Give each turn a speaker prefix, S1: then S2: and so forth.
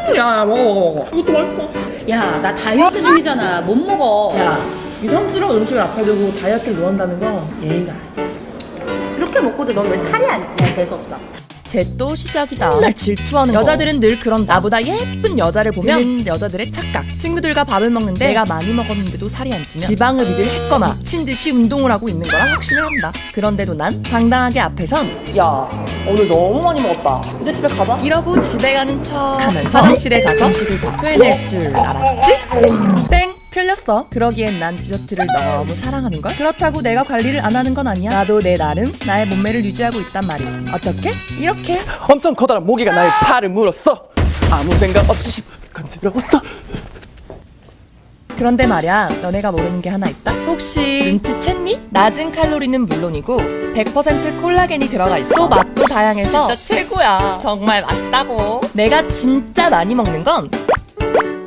S1: 야, 먹어. 이것도 맛있어.
S2: 야, 나 다이어트 중이잖아. 못 먹어.
S1: 야, 이성스러운 음식을 앞에 두고 다이어트를 논한다는 건 예의가 아니야.
S2: 그렇게 먹고도 넌 왜 살이 안 찌냐? 재수없어.
S3: 쟤 또 시작이다. 맨날 질투하는 거. 여자들은 늘 그런 나보다 예쁜 여자를 보면 여자들의 착각. 친구들과 밥을 먹는데 내가 많이 먹었는데도 살이 안 찌면 지방을 입을했거나 미친 듯이 운동을 하고 있는 거라 확신을 한다. 그런데도 난 당당하게 앞에선
S1: 야, 오늘 너무 많이 먹었다. 이제 집에 가자.
S3: 이러고 집에 가는 척 하면서 화장실에 가서 음식을 다 토해낼 줄 알았지? 땡! 틀렸어. 그러기엔 난 디저트를 너무 사랑하는걸? 그렇다고 내가 관리를 안 하는 건 아니야. 나도 내 나름 나의 몸매를 유지하고 있단 말이지. 어떻게? 이렇게.
S4: 엄청 커다란 모기가 나의 팔을 물었어. 아무 생각 없이 간지러웠어.
S3: 그런데 말야, 너네가 모르는 게 하나 있다? 혹시 눈치챘니? 낮은 칼로리는 물론이고 100% 콜라겐이 들어가 있어. 또 맛도 다양해서 진짜 최고야. 정말 맛있다고. 내가 진짜 많이 먹는 건